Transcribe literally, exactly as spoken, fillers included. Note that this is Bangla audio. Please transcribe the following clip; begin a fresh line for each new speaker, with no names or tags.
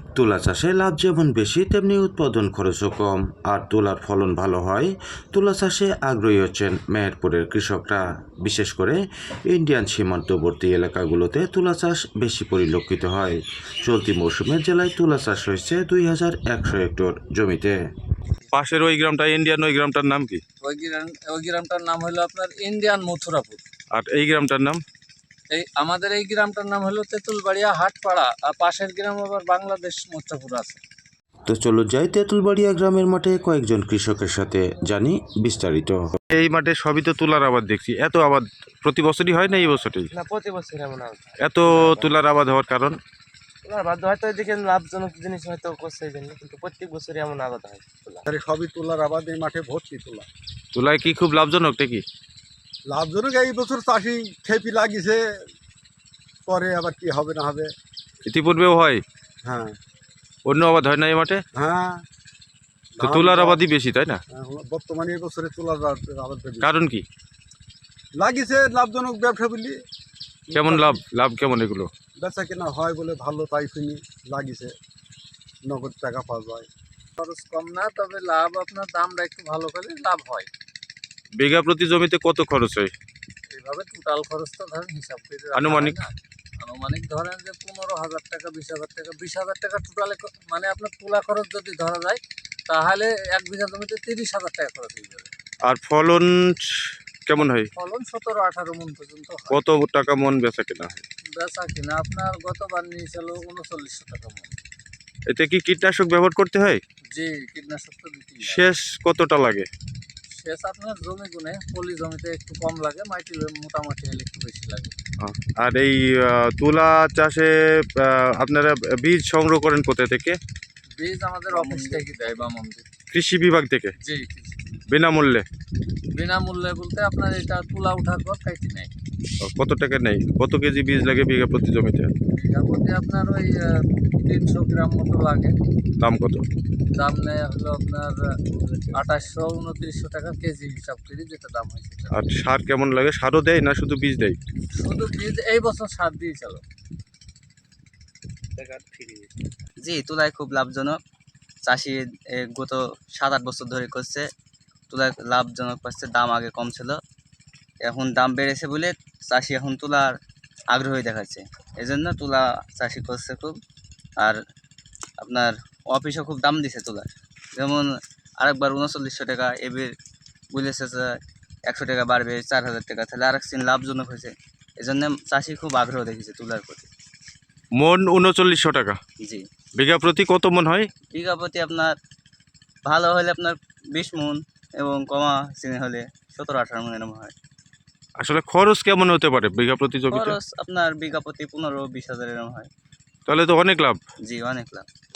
তুলা চাষে লাভ যেমন বেশি তেমনি উৎপাদন খরচও কম, আর তুলার ফলন ভালো হয়। তুলা চাষে আগ্রহী হচ্ছেন মেহেরপুরের কৃষকরা। বিশেষ করে ইন্ডিয়ান সীমান্তবর্তী এলাকাগুলোতে তুলা চাষ বেশি পরিলক্ষিত হয়। চলতি মৌসুমে জেলায় তুলা চাষ হয়েছে দুই হাজার একশো হেক্টর জমিতে।
পাশের ওই গ্রামটা ইন্ডিয়ান, ওই গ্রামটার নাম কি?
ওই গ্রাম ওই গ্রামটার নাম হলো আপনার ইন্ডিয়ান মথুরাপুর।
আর এই গ্রামটার নাম?
এই আমাদের এই গ্রামটার নাম হলো তেঁতুলবাড়িয়া হাটপাড়া, আর পাশের গ্রাম আবার বাংলাদেশ মথুরাপুর আছে।
তো চলো যাই তেঁতুলবাড়িয়া গ্রামের মাঠে কয়েকজন কৃষকের সাথে জানি বিস্তারিত।
এই মাঠে সবই তো তুলার আবাদ দেখছি। এত আবাদ প্রতি বছরই হয় না এই বছরই?
না, প্রতি বছর এমন আবাদ।
এত তুলার আবাদ হওয়ার কারণ?
তুলার আবাদ হয়তো এদিকে লাভজনক জিনিস হয়তো করছে এই জন্য, কিন্তু প্রত্যেক বছরই এমন আবাদ হয় তুলা।
সবই তুলার আবাদ, এই মাঠে ভর্তি তুলা।
তুলায় কি খুব লাভজনক নাকি?
লাভজনক এই বছর চাষি খেপি লাগিছে, পরে আবার কি হবে না হবে।
ইতিপূর্বেও হয়?
হ্যাঁ
অন্য আবাদ হয় না এই মাঠে?
হ্যাঁ,
তো তুলার আবাদই বেশি, তাই না?
বর্তমানে এই বছরে তুলার আবাদ বেশি।
কারণ কি?
লাগিছে লাভজনক ব্যবসা বলি।
কেমন লাভ? লাভ কেমন এগুলো?
বেচা কেনা হয় বলে ভালো, তাই শুনি লাগিছে, নগদ টাকা পাওয়া যায়।
খরচ কম না, তবে লাভ আপনার দামটা একটু ভালো করলে লাভ হয়।
বিঘা প্রতি জমিতে কত খরচ হয়?
এইভাবে টোটাল খরচ তো ধরেন হিসাব করে রাখা
আনুমানিক?
হয় না। আনুমানিক ধরেন যে পনেরো হাজার টাকা, বিশ হাজার টাকা, বিশ হাজার টাকা টোটালে, মানে আপনার তুলা খরচ যদি ধরা যায় তাহলে এক বিঘা জমিতে তিরিশ হাজার টাকা খরচ হয়ে যাবে।
আর ফলন কেমন হয়?
ফলন সতেরো আঠারো মন পর্যন্ত হয়।
কত টাকা মন বেচা কেনা হয়?
বেচা কিনা আপনার গতবার নিয়েছিল উনচল্লিশশো টাকা মন।
এতে কি কীটনাশক ব্যবহার করতে হয়?
জি, কীটনাশক তো দিতেই হয়।
শেষ কতটা লাগে?
সেচ আপনার জমি গুনে পলি জমিতে একটু কম লাগে, মাটি মোটামুটি হলে একটু বেশি লাগে।
আর এই আহ, তুলা চাষে আহ, আপনারা বীজ সংগ্রহ করেন কোথা থেকে?
বীজ আমাদের অফিস থেকে দেয় বা মন্দির।
কৃষি বিভাগ থেকে
জি,
বিনামূল্যে?
বিনামূল্যে বলতে আপনার এটা তুলা উঠার পর কাইটি নেয়।
কত টাকা নেই? কত কেজি বীজ লাগে বিঘা প্রতি জমিতে?
বিঘা প্রতি আপনার ওই আহ, তিনশো গ্রাম মতো লাগে।
দাম কত?
দাম নেয় হলো আপনার আঠাশশো উনত্রিশশো টাকা কেজি হিসাব করি, যেটা দাম হয় সেটা।
আর সার কেমন লাগে? সারও দেয় না শুধু বীজ দেয়?
শুধু বীজ এই বছর সার দিয়ে চলো।
জি, তুলায় খুব লাভজনক। চাষি এ, গত সাত আট বছর ধরে করছে, তুলায় লাভজনক পাচ্ছে। দাম আগে কম ছিল, এখন দাম বেড়েছে বলে চাষি এখন তুলার আগ্রহী দেখাচ্ছে। এই জন্য তুলা চাষি করছে খুব। আর আপনার অফিসও খুব দাম দিছে তুলার। যেমন আরেকবার উনচল্লিশশো টাকা, এবার বলেছে যে একশো টাকা বাড়বে, চার হাজার টাকা, তাহলে আরেক সিন লাভজনক হয়েছে। এই জন্য চাষি খুব আগ্রহ দেখেছে তুলার প্রতি।
মন উনচল্লিশশো টাকা?
জি।
বিঘা প্রতি কত মন হয়?
বিঘা প্রতি আপনার ভালো হলে আপনার বিশ মন, এবং কমা চিনি হলে সতেরো আঠারো মন এরকম হয়।
আসলে খরচ কেমন হতে পারে বিঘা প্রতি জমিতে?
খরচ আপনার বিঘা প্রতি পনেরো বিশ হাজার এরকম হয়।
তাহলে তো অনেক লাভ।
জি, অনেক লাভ।